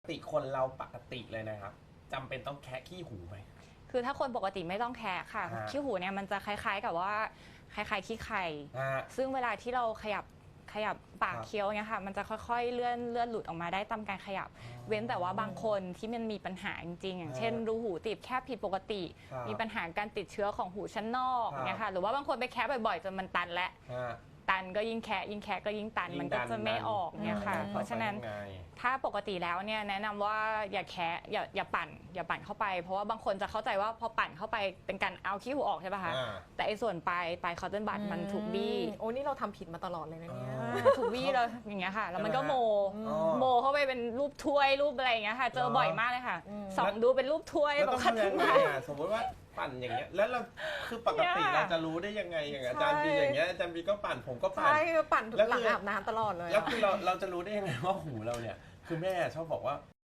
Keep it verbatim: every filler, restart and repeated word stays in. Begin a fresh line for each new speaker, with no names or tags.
ปกติคนเราปกติเลยนะครับจำเป็นต้องแคะขี้หูไหม
คือถ้าคนปกติไม่ต้องแคะค่ะขี้หูเนี่ยมันจะคล้ายๆกับว่าคล้ายๆขี้ไข่ซึ่งเวลาที่เราขยับขยับปากเคี้ยวเนี่ยค่ะมันจะค่อยๆเลื่อนเลื่อนหลุดออกมาได้ตามการขยับเว้นแต่ว่าบางคนที่มันมีปัญหาจริงๆอย่างเช่นรูหูตีบแคบผิดปกติมีปัญหาการติดเชื้อของหูชั้นนอกเนี่ยค่ะหรือว่าบางคนไปแคะบ่อยๆจนมันตันและตันก็ยิ่งแคะยิ่งแคะก็ยิ่งตันมันก็จะไม่ออกเนี่ยค่ะเพราะฉะนั้นถ้าปกติแล้วเนี่ยแนะนำว่าอย่าแคะอย่าอย่าปั่นอย่าปั่นเข้าไปเพราะว่าบางคนจะเข้าใจว่าพอปั่นเข้าไปเป็นการเอาขี้หูออกใช่ป่ะคะแต่ไอ้ส่วนปลายปลายคอตเทนบัดมันถูกบี้
โอ้นี่เราทำผิดมาตลอดเลยนะเนี่ย
ถูกบี้แล้วอย่างเงี้ยค่ะแล้วมันก็โมโมเข้าไปเป็นรูปถ้วยรูปอะไรอย่างเงี้ยค่ะเจอบ่อยมากเลยค่ะส่องดูเป็นรูปถ้วย
แบบคัดยังไงอ่ะสมมติว่าปั่นอย่างเงี้ยแล้วเราคือปกติเราจะรู้ได้ยังไงอย่างอาจารย์บีอย่างเงี้ยอาจารย์บีก็ปั่นผมก็ปั่น
ใช่ปั่นหลังอาบน้ำตลอดเลย
แล้วคือเราเราจะรู้ได้ยังไงว่าหูเราเนี่ยคือแม่ชอบบอกว่า